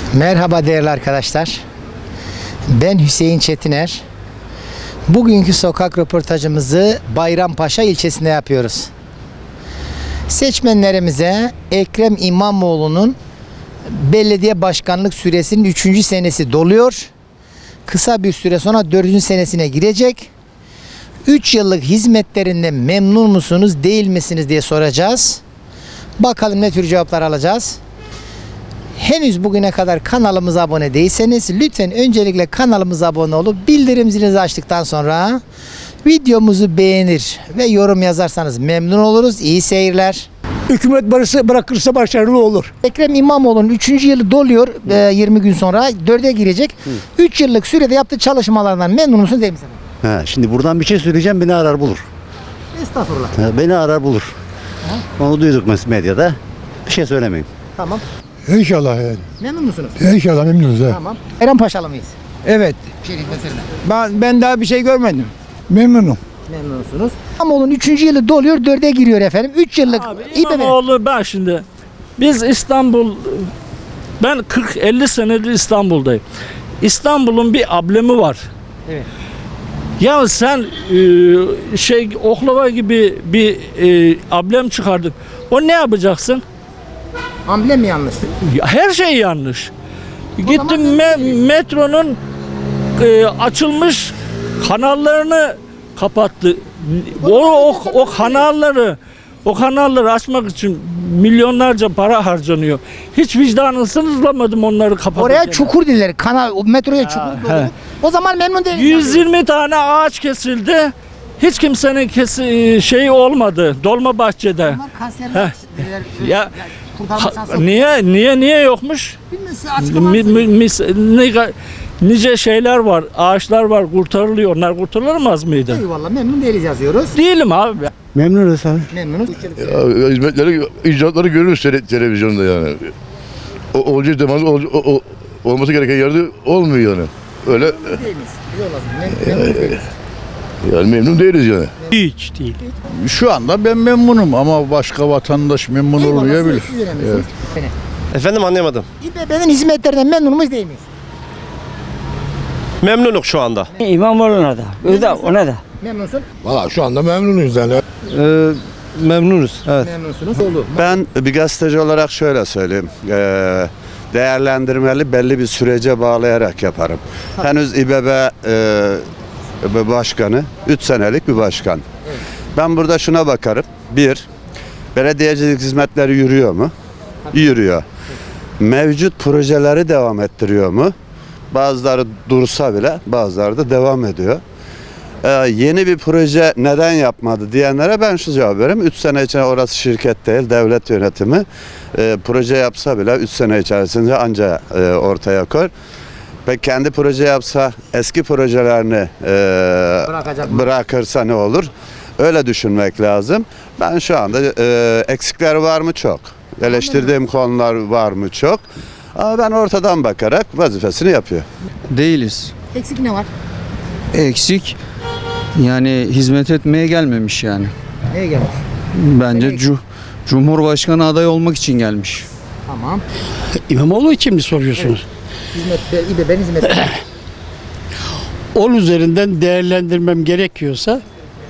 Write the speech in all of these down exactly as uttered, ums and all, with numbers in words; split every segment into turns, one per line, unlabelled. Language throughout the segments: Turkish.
Merhaba değerli arkadaşlar. Ben Hüseyin Çetiner. Bugünkü sokak röportajımızı Bayrampaşa ilçesinde yapıyoruz. Seçmenlerimize Ekrem İmamoğlu'nun belediye başkanlık süresinin üçüncü senesi doluyor. Kısa bir süre sonra dördüncü senesine girecek. üç yıllık hizmetlerinden memnun musunuz, değil misiniz diye soracağız. Bakalım ne tür cevaplar alacağız. Henüz bugüne kadar kanalımıza abone değilseniz lütfen öncelikle kanalımıza abone olup bildirim zilinizi açtıktan sonra videomuzu beğenir ve yorum yazarsanız memnun oluruz. İyi seyirler.
Hükümet barısı bırakırsa başarılı olur.
Ekrem İmamoğlu'nun üçüncü yılı doluyor e, yirmi gün sonra dörde girecek. üç yıllık sürede yaptığı çalışmalardan memnun musunuz, değil misiniz?
Ha, şimdi buradan bir şey söyleyeceğim, beni arar bulur.
Estağfurullah.
Ha, beni arar bulur. Onu duyduk mes- medyada. Bir şey söylemeyeyim.
Tamam.
İnşallah yani.
Memnun musunuz?
İnşallah memnunuz. He.
Tamam. Bayrampaşalı mıyız?
Evet.
Şerif meselene.
Ben, ben daha bir şey görmedim. Memnunum.
Memnunsunuz. İmamoğlu'nun üçüncü yılı doluyor, dörde giriyor efendim. üç yıllık
Abi
İBB.
İmamoğlu, ben şimdi biz İstanbul, ben kırk elli senedir İstanbul'dayım. İstanbul'un bir ablemi var.
Evet.
Ya sen e, şey oklava gibi bir e, ablem çıkardık. O ne yapacaksın?
Amblem mi yanlış?
Ya her şey yanlış.
zaman
Gittim
memnun
me-
değiliz.
metronun e, açılmış kanallarını kapattı. O, o, o kanalları o kanalları açmak için milyonlarca para harcanıyor. Hiç vicdanını sınırlamadım onları kapatırken.
Oraya çukur dediler. Kanal, o metroya çukur doldu. O zaman memnun değiliz.
yüz yirmi tane ağaç kesildi. Hiç kimsenin kesi şeyi olmadı Dolmabahçe'de.
Bunlar kanserler
Heh.
dediler.
Ya
Kurtarma
ha-
şansı yok.
niye niye niye yokmuş?
Bilmiyorum, size açıklama
Mi- mi-
söyleyeyim.
mis- ne- nice şeyler var, ağaçlar var, kurtarılıyor. Onlar kurtarılamaz mıydı?
Eyvallah, memnun değiliz yazıyoruz.
Değilim abi.
Memnunuz abi.
Memnunuz.
Ya, hizmetleri, icraatları görürüz tele- televizyonda yani. O, olacak zaman ol, o, o- olması gereken yerde olmuyor yani. Öyle
Değiliz. Biz olasın. Mem- memnun değiliz.
yani memnun değiliz yani.
Hiç değil.
Şu anda ben memnunum ama başka vatandaş memnun
Eyvallah,
olmayabilir.
siz önemlisiniz.
Efendim anlayamadım.
İBB'nin hizmetlerinden memnun muyuz, değil miyiz?
Memnunum şu anda.
İmamoğlu'na da, o da, ona da.
Memnunsun.
Valla şu anda memnunuz yani.
Ee, memnunuz. Evet.
Memnunsunuz. Oldu.
Ben bir gazeteci olarak şöyle söyleyeyim. Ee, değerlendirmeli belli bir sürece bağlayarak yaparım. Henüz İBB e, başkanı üç senelik bir başkan. Ben burada şuna bakarım. Bir, belediyecilik hizmetleri yürüyor mu? Yürüyor. Mevcut projeleri devam ettiriyor mu? Bazıları dursa bile bazıları da devam ediyor. Ee, yeni bir proje neden yapmadı diyenlere ben şu cevap veririm. üç sene içinde, orası şirket değil, devlet yönetimi. Ee, proje yapsa bile üç sene içerisinde anca e, ortaya koy. Ve kendi proje yapsa eski projelerini e,
Bırakacak mı?
bırakırsa ne olur? Öyle düşünmek lazım. Ben şu anda e, eksikler var mı? Çok. Eleştirdiğim konular var mı? Çok. Ama ben ortadan bakarak vazifesini yapıyor.
Değiliz.
Eksik ne var?
Eksik. Yani hizmet etmeye gelmemiş yani.
Neye gelmiş?
Bence cu- Cumhurbaşkanı adayı olmak için gelmiş.
Tamam.
İmamoğlu için mi soruyorsunuz?
Hizmet, İBB'nin hizmetleri.
On üzerinden değerlendirmem gerekiyorsa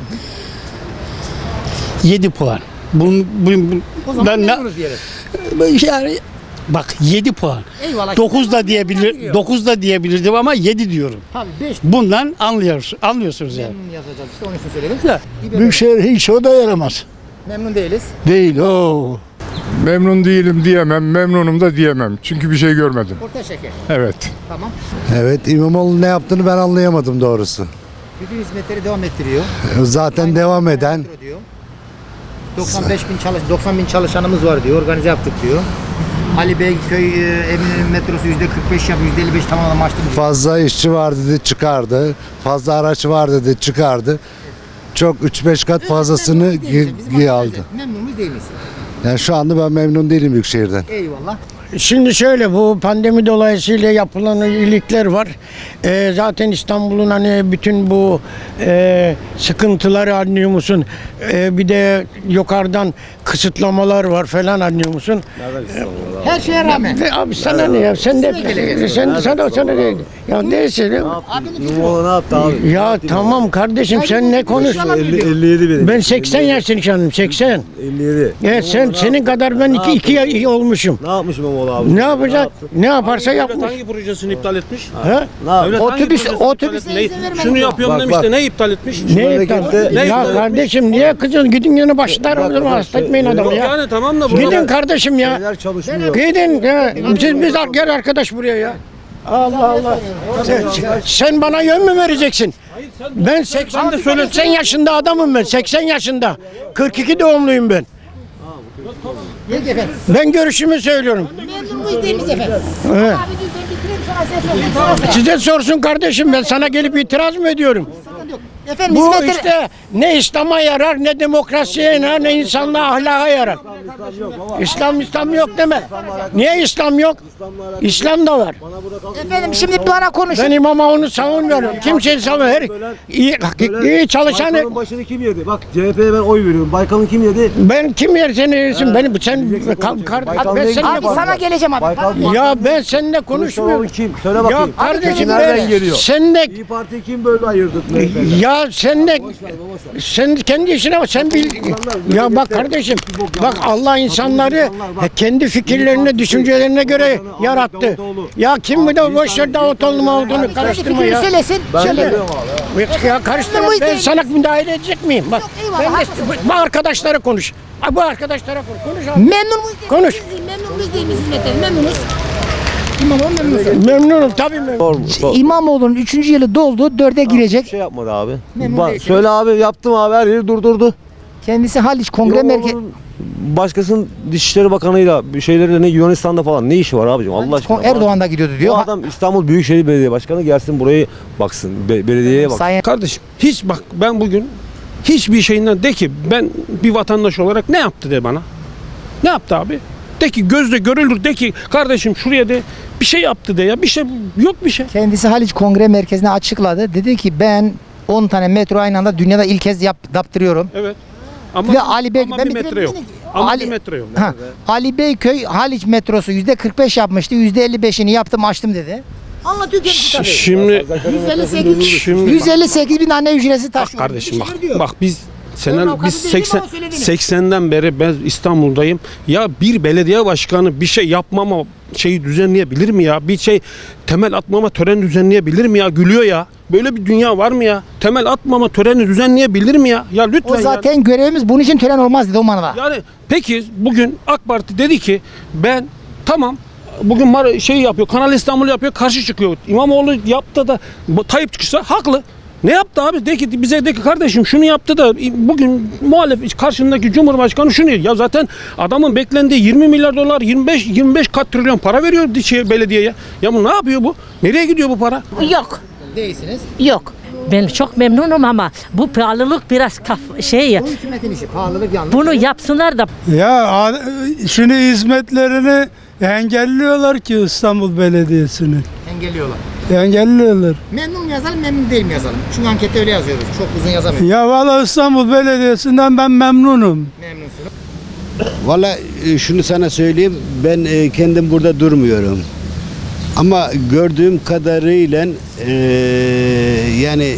yedi puan. Bunun, bunun,
O zaman
ben ne-
memnunuz diyelim.
yani bak yedi puan.
Eyvallah.
dokuz da diyebilir, dokuz da diyebilirdim ama yedi diyorum.
Tabii beş
Bundan anlıyoruz, anlıyorsunuz yani.
memnun yazacağız işte, onun için söyledim.
Ya,
İBB
Büyükşehir hiç o da yaramaz.
memnun değiliz.
Değil o.
Memnun değilim diyemem, memnunum da diyemem. Çünkü bir şey görmedim.
Orta şeker.
Evet.
Tamam.
Evet, İmamoğlu ne yaptığını ben anlayamadım doğrusu.
Bütün hizmetleri devam ettiriyor.
Zaten devam eden
Metro diyor. doksan beş bin çalış doksan bin çalışanımız var diyor. Organize yaptık diyor. Ali Beyköy e, Eminönü metrosu yüzde kırk beş yapıyor, yüzde elli beş tamamladım açtım diyor.
fazla işçi var dedi çıkardı. Fazla araç var dedi çıkardı. Çok üç beş kat fazlasını
Memnun değiliz. Bizim
gi- gi- aldı.
arkadaşlar, memnun muyuz, değil miyiz?
Yani şu anda ben memnun değilim Büyükşehir'den.
Eyvallah.
Şimdi şöyle, bu pandemi dolayısıyla yapılan iyilikler var. Ee, zaten İstanbul'un hani bütün bu e, sıkıntıları anlıyor musun? Ee, bir de yukarıdan kısıtlamalar var falan anlıyor musun?
Her şeye rağmen.
Ve abi sana ne ya? Sen de sen sana sana değil. Ya neyse.
Ne yaptı abi?
Ya tamam kardeşim sen ne konuşuyorsun?
elli yedi benim.
Ben seksen yaşındayım seksen.
elli yedi.
Evet sen senin kadar ben iki iki ya- olmuşum.
Ne yapmış İmamoğlu abi?
Ne yapacak? Ne yaparsa yapmış.
Hangi projesini iptal etmiş?
Ha?
Ne
Otobüs otobüs
Şunu yapıyorum demiş de ne iptal etmiş?
Ne iptal?
Ne
Ya
iptal
kardeşim niye kızın gidin yanı başlar o zaman hasta etmeyin adamı ya.
Yani tamam da burada
Gidin kardeşim ya.
Neler çalışmıyor.
Gidin ya. Siz biz gel arkadaş buraya ya. Allah Allah. Sen, sen bana yön mü vereceksin? Ben seksen de seksen yaşında adamım ben. seksen yaşında. kırk iki doğumluyum ben.
Peki efendim.
Ben görüşümü söylüyorum.
Memnun muyuz değil miyiz efendim?
Evet.
Abi dur ben bitireyim sonra sen sor. Ben sana sorayım.
Size sorsun kardeşim ben sana gelip itiraz mı ediyorum?
Sıkıntı yok. Efendim
Bu
hizmetler...
işte ne İslam'a yarar ne demokrasiye yarar ne insanlığa ahlaka yarar. İslam İslam yok deme. Niye İslam yok? İslam da var.
Efendim şimdi bana konuşun.
Ben İmamoğlu'nu savunmuyorum. Kimseyi savunmuyorum. İyi, iyi çalışan
Baykal'ın başını kim yedi? Bak C H P'ye ben oy veriyorum. Baykal'ın kim yedi?
ben kim yer seni yersin? Beni sen kar, kar, ben seninle
Abi sana geleceğim abi. Tamam.
ya ben seninle konuşmuyorum.
Kim? Söyle
Ya
bakayım.
kardeşim
Nereden
ben
geliyor?
seninle
İyi Parti kim böyle ayırdı?
ya sen de sen kendi işine bak sen bil ya bak kardeşim bak Allah insanları kendi fikirlerine düşüncelerine göre yarattı. Ya kim bu da boş ver Davutoğlu Mavutoğlu karıştırma
Fikrini
ya.
söylesin. Söyle.
Ya karıştırma ben sana müdahale edecek miyim? Bak
eyvallah,
ben de
haklısın.
bu arkadaşlara konuş. Ha, Bu arkadaşlara konuş. Konuş abi.
Memnun muyuz? değil
Konuş.
miyiz? Memnun muyuz değil miyiz hizmetleri? Memnunuz. İmamoğlu memnunuz.
Memnunum tabii memnunum.
İmamoğlu'nun üçüncü yılı doldu. Dörde
Bir
girecek.
şey yapmadı abi.
Memnun
Bak,
değilsiniz.
söyle abi yaptım abi her yeri durdurdu.
Kendisi Haliç Kongre Merkezi.
İmamoğlu'nun Başkasının Dışişleri Bakanı'yla bir şeyleri ne Yunanistan'da falan ne işi var abicim Allah aşkına.
Erdoğan da gidiyordu diyor.
Bu adam İstanbul Büyükşehir Belediye Başkanı gelsin burayı baksın. Be- belediyeye bak.
Sayın
Kardeşim hiç bak ben bugün hiçbir şeyinden de ki ben bir vatandaş olarak ne yaptı de bana. Ne yaptı abi? De ki gözle görülür de ki kardeşim şuraya de bir şey yaptı de ya bir şey yok bir şey.
kendisi Haliç Kongre Merkezi'ne açıkladı. Dedi ki ben on tane metro aynı anda dünyada ilk kez yap, yaptırıyorum.
Evet. Ama,
Ve Ali Bey
ama
ben
bir
bitireyim
metre yok.
yine.
Ama
Ali-
bir metre yok.
Ha, Ali Beyköy Haliç metrosu yüzde kırk beş yapmıştı. yüzde elli beşini yaptım açtım dedi. Anlatıyor kendisi tabii.
Şimdi
yüz elli sekiz,
Şimdi-
yüz elli sekiz bin anne ücretsiz
bak
taşıyor.
kardeşim bak.
Bir şey diyor.
Bak biz
Onun
Senel,
avukatı
biz
değilim
seksen,
ama söylediğini.
seksenden beri ben İstanbul'dayım. Ya bir belediye başkanı bir şey yapmama şeyi düzenleyebilir mi ya? Bir şey temel atmama töreni düzenleyebilir mi ya? Gülüyor ya. Böyle bir dünya var mı ya? Temel atmama töreni düzenleyebilir mi ya? Ya lütfen
O
ya.
zaten görevimiz bunun için tören olmaz dedi o manada.
Yani peki bugün AK Parti dedi ki ben tamam bugün Mar- şey yapıyor Kanal İstanbul yapıyor karşı çıkıyor. İmamoğlu yaptı da bu Tayyip çıkışsa haklı. Ne yaptı abi? De ki bize de ki kardeşim şunu yaptı da bugün muhalefet karşındaki Cumhurbaşkanı şunu ya zaten adamın beklendiği yirmi milyar dolar yirmi beş yirmi beş kat trilyon para veriyor şey, belediyeye. Ya bu ne yapıyor bu? Nereye gidiyor bu para?
Yok,
Değilsiniz.
yok. Ben çok memnunum ama bu pahalılık biraz kaf şey.
Bu hükümetin işi. Pahalılık yanlış.
Bunu yapsınlar da
Ya şimdi hizmetlerini engelliyorlar ki İstanbul Belediyesi'nin.
engelliyorlar.
Engelliyorlar.
Memnun mu yazalım, memnun değil mi yazalım? Çünkü ankette öyle yazıyoruz. Çok uzun yazamıyoruz.
Ya valla İstanbul Belediyesi'nden ben memnunum.
Memnunsunuz.
Valla e, şunu sana söyleyeyim, ben e, kendim burada durmuyorum. Ama gördüğüm kadarıyla e, yani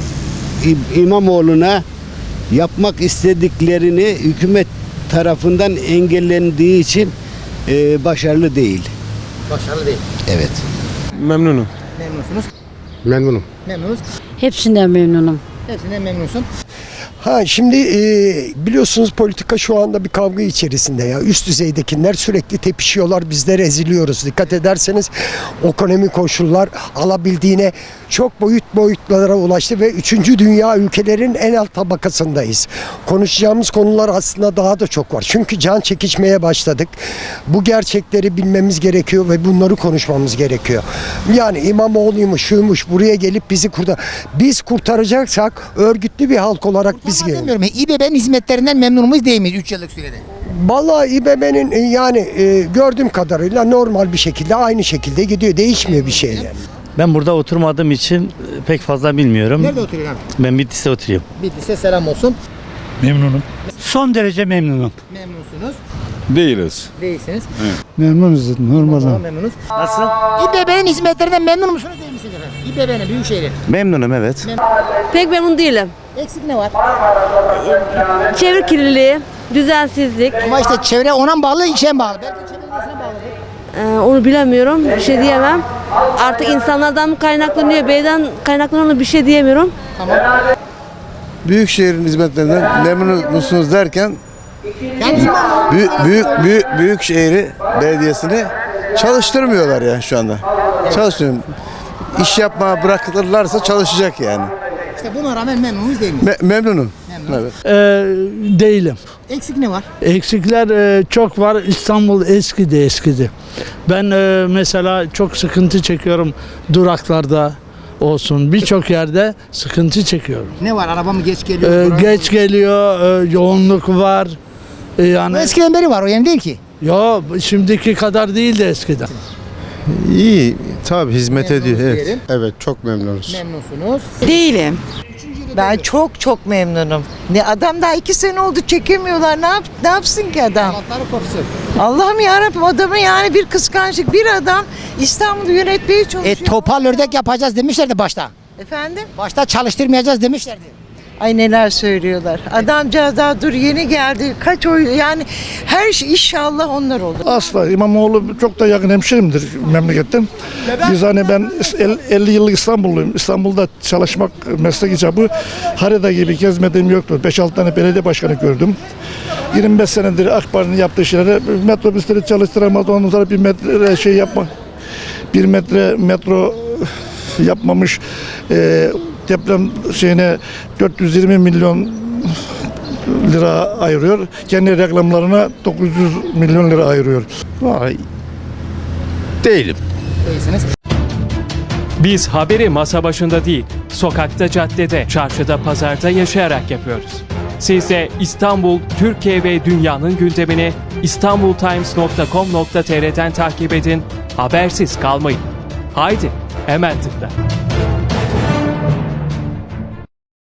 İ- İmamoğlu'na yapmak istediklerini hükümet tarafından engellendiği için e, başarılı değil.
Başarılı değil.
Evet.
Memnunum.
Memnunsunuz.
Memnunum.
Memnunuz.
hepsinden memnunum.
Hepsinden memnunsun.
Ha şimdi e, biliyorsunuz politika şu anda bir kavga içerisinde ya. Üst düzeydekiler sürekli tepişiyorlar. Bizler eziliyoruz. Dikkat ederseniz ekonomik koşullar alabildiğine çok boyut boyutlara ulaştı ve üçüncü dünya ülkelerin en alt tabakasındayız. Konuşacağımız konular aslında daha da çok var. Çünkü can çekişmeye başladık. Bu gerçekleri bilmemiz gerekiyor ve bunları konuşmamız gerekiyor. Yani İmamoğlu'ymuş, şuymuş, buraya gelip bizi kurtar. Biz kurtaracaksak örgütlü bir halk olarak biz biz gelelim.
Demiyorum. İBB'nin hizmetlerinden memnun muyuz değil miyiz üç yıllık sürede?
Vallahi İBB'nin e, yani e, gördüğüm kadarıyla normal bir şekilde aynı şekilde gidiyor. Değişmiyor bir şey yani.
Ben burada oturmadığım için pek fazla bilmiyorum.
Nerede oturuyorsun abi?
Ben Bitlis'te oturuyorum.
Bitlis'e selam olsun.
Memnunum.
Son derece memnunum.
Memnunsunuz.
Değiliz.
Değilsiniz.
Memnunuz normal.
Tamam, memnunuz.
Nasıl?
İBB'nin hizmetlerinden memnun musunuz değil misiniz efendim? İBB'nin, Büyükşehir'in.
Memnunum evet.
Pek memnun değilim.
Eksik ne var?
Çevre kirliliği, düzensizlik,
Ama işte çevre ona mı bağlı, işe mi bağlı? Belki çevre bağlı.
e, onu bilemiyorum. Bir şey diyemem. Artık insanlardan mı kaynaklanıyor, beyden kaynaklanıyor bir şey diyemiyorum.
Büyükşehir'in hizmetlerinden memnun musunuz derken
Yani
büyük büyük büyük Büyükşehir'i belediyesini çalıştırmıyorlar ya şu anda. Çalışmıyor. İş yapmaya bırakılırlarsa çalışacak yani.
işte buna rağmen memnun muyuz değil miyiz?
Me- memnunum. Evet.
değilim.
Eksik ne var?
Eksikler e, çok var. İstanbul eskidi eskidi. Ben e, mesela çok sıkıntı çekiyorum duraklarda olsun. Birçok yerde sıkıntı çekiyorum.
Ne var? Araba mı geç geliyor?
E,
Durak-
geç geliyor, e, yoğunluk var. E,
Bu
yani
eskiden beri var, o yani değil ki.
yo şimdiki kadar değildi eskiden.
İyi tabii hizmet
Memnunuz diyelim.
Evet çok memnunuz.
Memnunsunuz.
Değilim. Ben çok çok memnunum. Ne adam daha iki sene oldu çekemiyorlar. Ne yap ne yapsın ki adam?
Allah'ları korusun.
Allah'ım yarabbim adamı yani bir kıskançlık. Bir adam İstanbul'u yönetmeye çalışıyor.
E topal ördek yapacağız demişlerdi başta.
Efendim?
Başta çalıştırmayacağız demişlerdi.
Ay neler söylüyorlar. Adamcağız daha dur yeni geldi. Kaç oy yani her şey inşallah onlar olur.
Asla İmamoğlu çok da yakın hemşerimdir memleketten. Biz hani ben elli yıllık İstanbulluyum. İstanbul'da çalışmak meslek icabı harita gibi gezmediğim yoktu. beş altı tane belediye başkanı gördüm. yirmi beş senedir AK Parti'nin yaptığı şeylere metrobüsleri çalıştıramaz. Ondan sonra bir metre şey yapma. Bir metre metro yapmamış. E, deprem şeyine dört yüz yirmi milyon lira ayırıyor. Kendi reklamlarına dokuz yüz milyon lira ayırıyor. Vay. Değilim.
Değilsiniz.
Biz haberi masa başında değil, sokakta, caddede, çarşıda, pazarda yaşayarak yapıyoruz. Siz de İstanbul, Türkiye ve dünyanın gündemini istanbultimes nokta com nokta tr'den takip edin, habersiz kalmayın. Haydi, hemen tıkla.